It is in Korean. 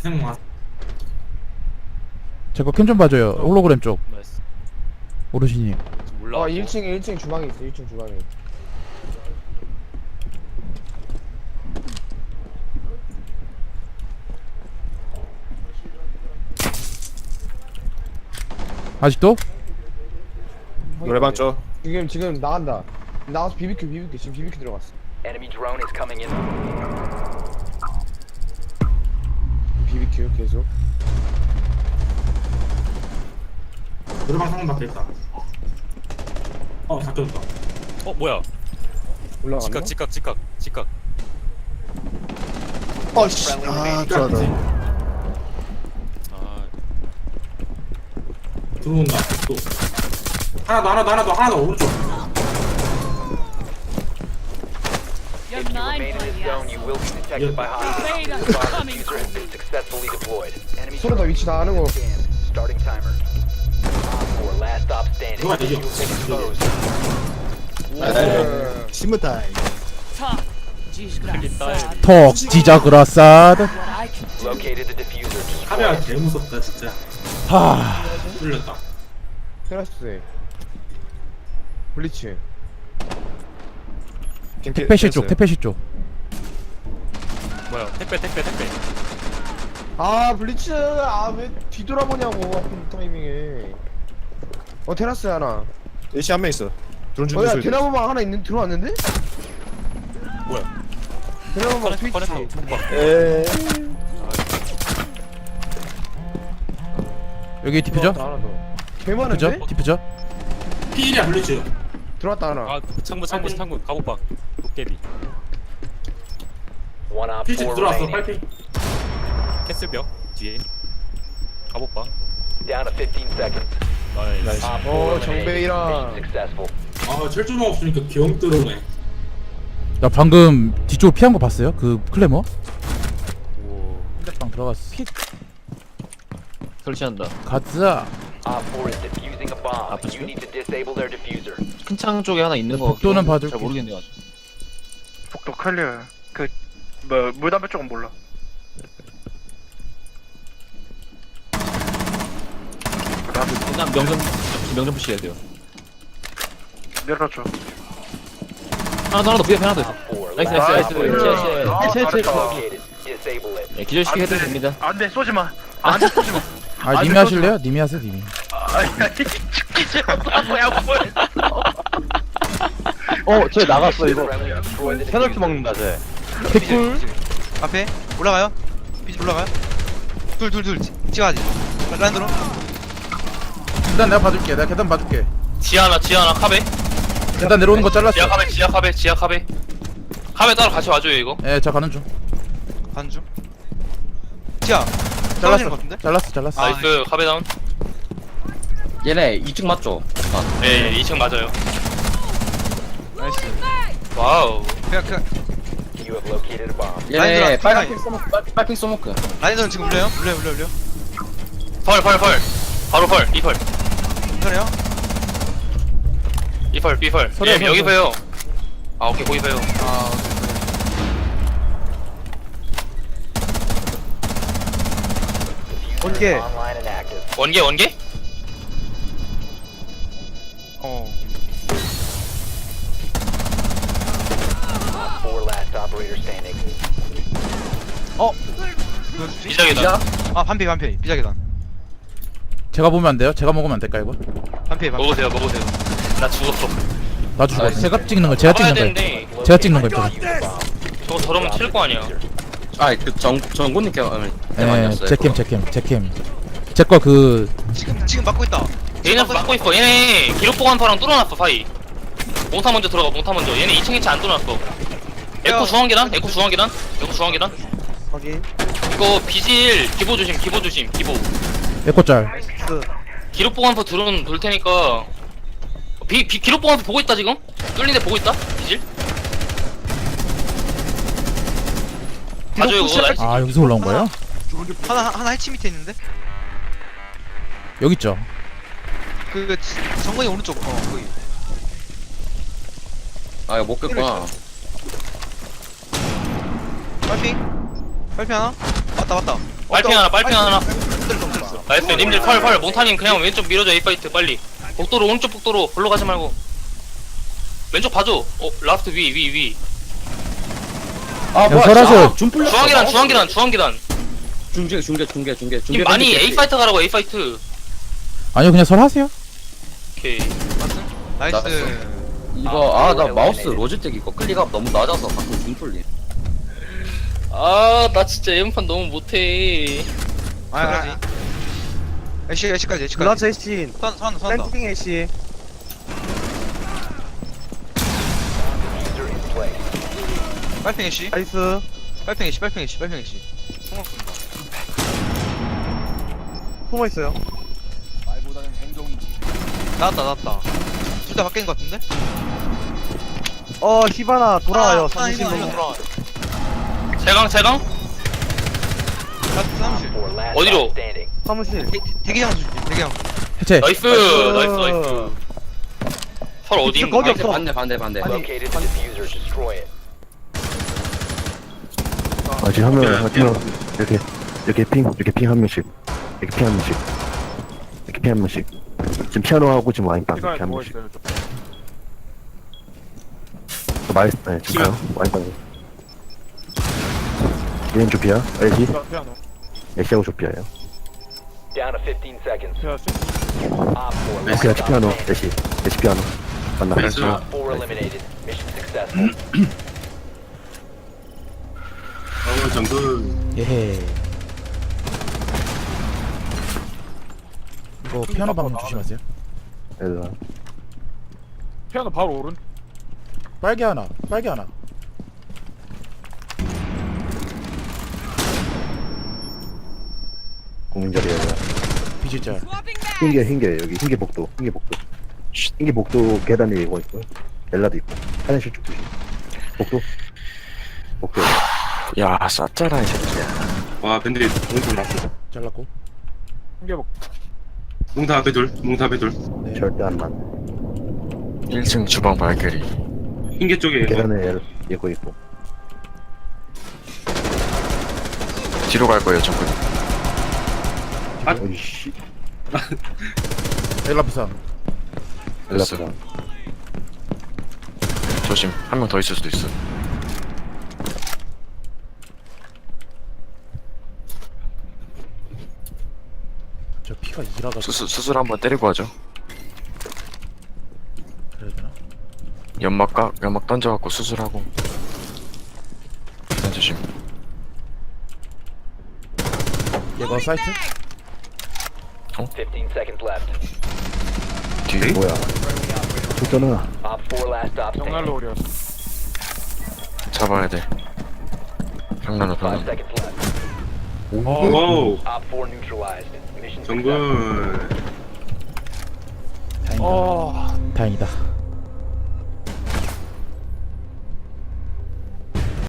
제거 캠 좀 봐줘요. 홀로그램 쪽. 나이스. 오르시님. 몰라. 1층 주방에 있어. 1층 주방에. 아직도? 노래방 쪽. 지금 나간다. 나가서 BBQ 지금 BBQ 들어갔어. Enemy drone is coming in. BBQ 계속. 노래방 상문 밖에 있다. 닫혔다. 뭐야? 올라갔나? 직각. 어씨. 아 좋아다. 아, 들어온다. 또. 하나 더, 오른쪽. If you remain in this zone, you will be detected by hostiles. The bomb diffuser has been successfully deployed. Enemy 서로 다 위치 다 아는 거. stand. Starting timer. Op 4, last stop standing. 누가 You 이겨? will be exposed. 신문 타임. 클립 톡 지저그라사드. Located the diffuser. Destroy 카메라 it. 개 무섭다, 진짜. 하. 뚫렸다. 테라스. 블리츠. 택배실 쪽. 택배실 쪽. 뭐야? 택배. 아 블리츠. 아 왜 뒤돌아보냐고 하필 타이밍에. 테라스 하나. 예시 한 명 있어. 드론 준비 야 소리. 대나무방 하나 들어왔는데? 뭐야? 대나무방 꺼냈어. 트위치. 못 봐. 에. 여기 디퓨저? 들어왔다, 하나 더. 개 디퓨저? 많은데? 디퓨저? 피일이야, 블리츠. 들어왔다 하나. 아, 창문 가복박. 도깨비. One op 피치 4 들어왔어, remaining. 빨리. 캐슬벽 뒤에. 가복박. Down to 15 seconds. 나이스. Op 4 어, eliminated. 정배이랑. Mission successful. 철조망 없으니까 경 들어오네. 나 방금 뒤쪽으로 피한 거 봤어요? 그 클레머? 오. 방 들어갔어. 설치한다. 가자. Op 4 is defusing a bomb. 아프죠? You need to disable their diffuser. 큰 창 쪽에 하나 있는 거. 복도는 같긴 한데 봐줄게. 잘 모르겠네요. 아직. 복도 클리어. 물담배 쪽은 몰라. 그냥 명점 푸시해야 돼요. 내려줘. 하나 더 위에 하나 더 있어. Op 4, 나이스 last 나이스 op 나이스. 잘했다. located. Disable it. 네, 기절시키 해도 됩니다. 안돼 쏘지 마. 안돼 쏘지 마. 아 님이 하실래요? 님이 하세요 님이. 죽기 싫어. 뭐야 뭐야. 저 나갔어 이거. 페널티 먹는다 쟤. 개꿀. 앞에 올라가요. 비지 올라가요. 둘 찍어야지. 라인으로. 계단 내가 봐줄게. 내가 계단 봐줄게. 지하나 카베. 계단 내려오는 거 잘랐어. 지하 카베. 카베 따로 같이 와줘요 이거. 예, 저 가는 중. 반중. 지야. 떨어지는 것 같은데? 잘랐어. 나이스. 카베 다운. 얘네 2층 맞죠? 네, 2층 맞아요. 나이스. 와우. 그냥 You have located a bomb. 얘네 빨간색 빨핑 써먹고. 라인은 지금 울려요? 울려. 펄. 바로 펄. 이펄. 그래요? B펄. 서려, 예, 서려. 여기 봬요. 아, 오케이, 거기 봬요. 아. Diffuser is online and active. 원개? 어. Op 4 last operator standing. 뭐였지? 비자기다. 아 반피 비자계단. 제가 보면 안 돼요? 제가 먹으면 안 될까 이거? 반피. 먹으세요. 나 죽었어. 나 죽어. 제가 찍는 거. 제가 잡아야 찍는 거. 되는데, 제가 찍는 거 입장. 저거 저러면 칠 거 아니야. 정군님께 예, 제캠. 제 거 그 지금 막고 있다. 얘네 막고 있어. 얘네 기록보관파랑 뚫어놨어, 사이. 몽타 먼저 들어가, 얘네 2층 2층 안 뚫어놨어. 에코 중앙계단. 확인. 이거 비질 기보 조심. 에코짤. 기록보관파 드론 돌 테니까. 기록보관파 보고 있다, 지금? 뚫린 데 보고 있다? 비질? 봐줘요, 그거. 나이스. 아 여기서 올라온 거예요? 하나 해치 밑에 있는데? 여기 있죠. 정근이 오른쪽. 거기. 아 이거 못 깼구나. 빨핑 하나? 맞다. 빨핑 하나 빨핑 하나 나이스 님들 펄 몽타님 그냥 왼쪽 밀어줘 A파이트 빨리 복도로 오른쪽 복도로 걸로 가지 말고 왼쪽 봐줘 라스트 위 아 야, 뭐야 설아서. 줌 풀렸어. 중앙계단 중계 님 많이 A파이트 가라고 A파이트 아니요, 그냥 설하세요. 오케이 나이스. 이거 나 마우스 로지텍 이거 클릭업 너무 낮아서 가끔 줌 풀림. 아 나 진짜 예문판 너무 못해 아. 애쉬까지. 글라스 애쉬 선다. 땡킹 애쉬 User in place. 빨팽 애쉬. 나이스 빨팽 애쉬. 숨어있어요 나왔다. 둘 다 바뀐 것 같은데? 히바나 돌아와요 아, 사무실로 이거 돌아와요. 제강 사무실. 4 last 어디로? stop standing. 사무실 대기장 줄게. 대기장. 해체. 나이스 설 어디인가 거기 없어. 반대. Located the diffuser. Destroy it. 아직 한 명, 이렇게 핑 한 명씩. 지금 피아노하고 지금 와인빵 이렇게 한 명씩. 네, 지금 가요. 와인빵. 얘는 조피아, 애쉬하고 조피아예요. Down to 15 seconds. Op 4 애쉬가 last 피아노, stop standing. 애쉬 피아노. 맞나? Op 4 eliminated. Mission successful. 예헤. 이거 피아노 방금 조심하세요. 얘들아. 피아노 바로 오른. 빨개 하나. 공민자리에 비질자. 흰개 여기 흰개 복도. 흰개 복도 계단에 이거 있고요. 엘라도 있고. 화장실 쪽 조심. 복도. 야 쌌잖아 이 새끼야. 와 밴드 몽타 났어. 잘랐고. 몽타 앞에 둘. 네. 절대 안 만. 1층 주방 발길이. 흰개 쪽에 계단에 이거 있고. 뒤로 갈 거예요 전부. 어이씨. 엘라프상. 엘라프랑. 조심. 한 명 더 있을 수도 있어. 저 피가 2라가 수술 한번 때리고 하죠. 그래야 되나? 연막 던져갖고 수술하고. 일단 조심. 얘가 사이트? 15 seconds left. 뒤. 뭐야? 좋잖아. Op 4 last stop standing. 잡아야 돼. 장난은 5 방금. seconds left. 오 Op 4 neutralized. Mission 정글. successful. 다행이다.